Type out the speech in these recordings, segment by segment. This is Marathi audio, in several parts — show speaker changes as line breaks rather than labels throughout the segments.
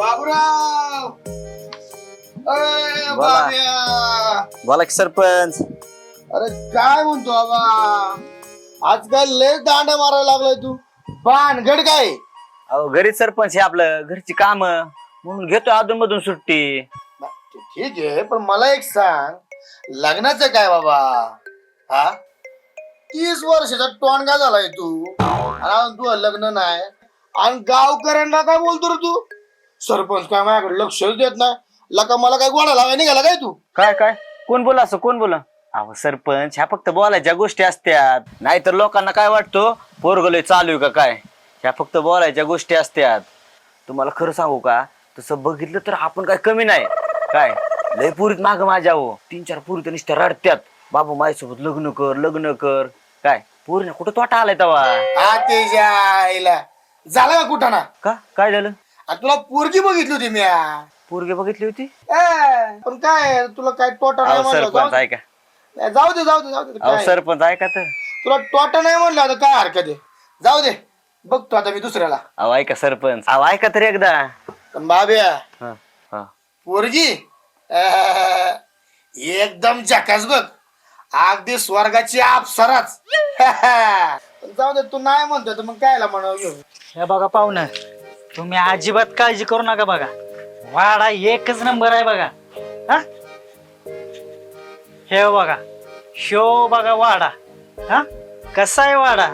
बाबूराव
बोला.
बाब्या
बोला की सरपंच.
अरे काय म्हणतो बाबा आजकाल लय दांडा मारायला लागलाय तू भानगड काय
अहो घरीच सरपंच हे आपलं घरची काम म्हणून घेतो अधून मधून सुट्टी.
ठीक आहे पण मला एक सांग लग्नाचं काय बाबा हा 30 वर्षाचा टोणगा झालाय तू आणि तू लग्न नाही आणि गावकऱ्यांना काय बोलतो रे तू सरपंच काय माझ्याकडे लक्षच देत नाही लका मला काय गोडा लावाय निघाला काय तू
काय काय कोण बोला असं कोण बोला. अहो सरपंच ह्या फक्त बोलायच्या गोष्टी असत्यात नाहीतर लोकांना काय वाटतो पोरगलोय चालू आहे का काय. ह्या फक्त बोलायच्या गोष्टी असत्यात. तुम्हाला खरं सांगू का तसं बघितलं तर आपण काय कमी नाही काय लय पुरीत माग माझ्या हो 3-4 पुरी तर नुसत्या रडत्यात बाबू माझ्यासोबत लग्न कर काय पोरीने कुठं तोटा आलाय तवा.
आतेच्या आईला झाला का कुठं ना
का काय झालं.
आणि तुला पोरगी बघितली होती मी
पोरगी बघितली होती.
पण काय तुला काय तोटा नाही
अहो
म्हणलं
सरपंच ऐका.
जाऊ दे जाऊ दे जाऊ दे
अहो
काय?
सरपंच ऐका तर.
तुला तोटा नाही म्हणलं आता काय हरकत आहे जाऊ दे बघतो आता मी दुसऱ्याला
अहो ऐका सरपंच अहो ऐका तरी एकदा.
पण बाब्या
हा हा
पोरगी एकदम झकास बघ अगदी स्वर्गाची अप्सराच पण जाऊ दे तू नाही म्हणतो तर मग कायला म्हणावं घेऊ
हे बघा पाहुणं तुम्ही अजिबात काळजी करू नका बघा वाडा एकच नंबर आहे बघा. हा हे बघा शो बघा वाडा. हा कसा आहे वाडा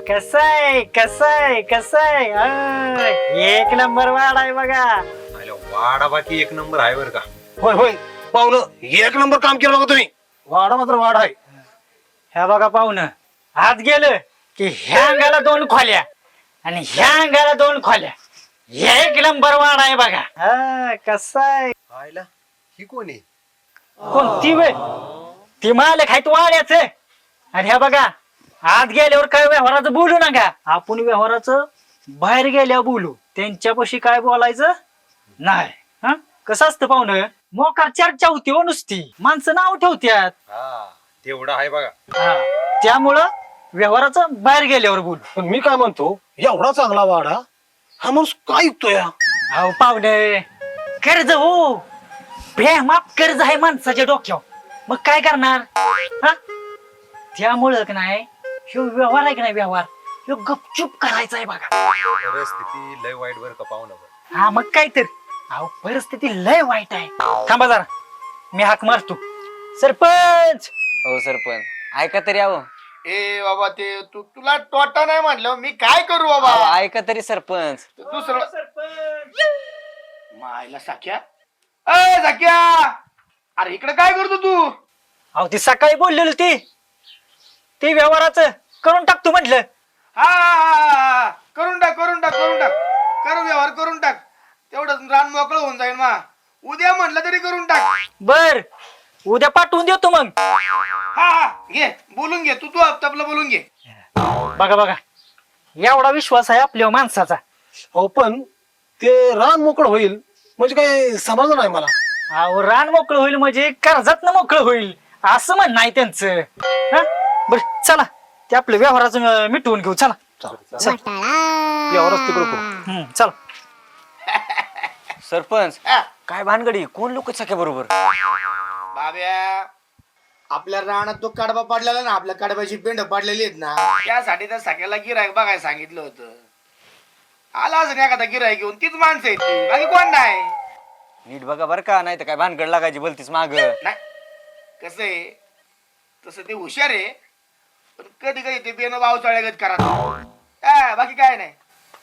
कसाय एक नंबर वाडा आहे बघा.
वाडा बाकी एक नंबर आहे बरं का.
होय होय
पाहुणं एक नंबर काम केलं बघा तुम्ही. वाडा मात्र वाडा आहे.
हे बघा पाहुणं आत गेलं की ह्या अंगाला 2 खोल्या आणि ह्या अंगाला 2 खोल्या एक नंबर वाडा आहे बघा. हा कसाय
आयला ही कोण आहे.
कोणती वे ती मालक आहेत वाड्याच. आणि ह्या बघा आत गेल्यावर काय व्यवहाराचं बोलू नका आपण व्यवहाराचं बाहेर गेल्यावर बोलू त्यांच्यापाशी काय बोलायचं नाही. हा कसं असतं पाहुणं मोकार चर्चा होती हो नुसती माणसं नाव ठेवत्यात.
हा तेवढा आहे बघा.
हा त्यामुळं व्यवहाराचं बाहेर गेल्यावर बोलू.
पण मी काय म्हणतो एवढा चांगला वाडा हा माणूस काय ऐकतोय.
अहो पाहुणे कर्ज हो बेमाप कर्ज आहे माणसाच्या डोक्यावर मग काय करणार. हा त्यामुळं का नाही ह्यो व्यवहार आहे का नाही व्यवहार ह्यो गपचूप करायचा आहे बघा.
परिस्थिती लय वाईट बरं का पाहुणं.
हा मग काय तर अहो परिस्थिती लय वाईट आहे. थांबा जरा मी हाक मारतो सरपंच.
हो सरपंच ऐका तरी अहो.
ए बाबा ते तुला तोटा नाही म्हटलं मी काय करू बाबा
अहो, ऐका तरी सरपंच.
दुसरं मायला साख्या अ साख्या अरे इकडे काय करतो तू
अहो ती सकाळी बोललेली ती व्यवहाराचं करून टाकतो म्हटलं.
हा करून टाक कर व्यवहार करून टाक तेवढं रान मोकळं होऊन जाईल मा उद्या म्हटलं तरी करून टाक.
बर उद्या पाठवून देतो मग.
हा घे बोलून घे तू आपलं बोलून घे.
बघा बघा एवढा विश्वास आहे आपल्या माणसाचा.
हो पण ते रान मोकळ होईल म्हणजे काय समजलं नाही मला.
अहो रान मोकळं होईल म्हणजे कर्जात मोकळं होईल असं म्हण नाही त्यांचं. हा बर चला ते आपलं व्यवहाराचं मिटवून घेऊ चला.
यावरच तिकडे करू.
चला
सरपंच
हा.
काय भानगडी कोण लोक सख्या बरोबर.
बाब्या आपल्या रानात तो कडबा पाडलेला ना आपल्या कडब्याची पेंड पाडलेली आहेत ना त्यासाठी त्या सगळ्याला गिरायक बघायला सांगितलं होतं. आला असं एखादा गिरायक घेऊन तीच माणसं आहेत ती बाकी कोण नाही.
नीट बघा बर का नाही तर काय भानगड लागायची बोलतीस माग.
नाही कसं आहे तसं ते हुशार आहे पण कधी कधी ते बेन पावसाळ्यागत करा बाकी काय नाही.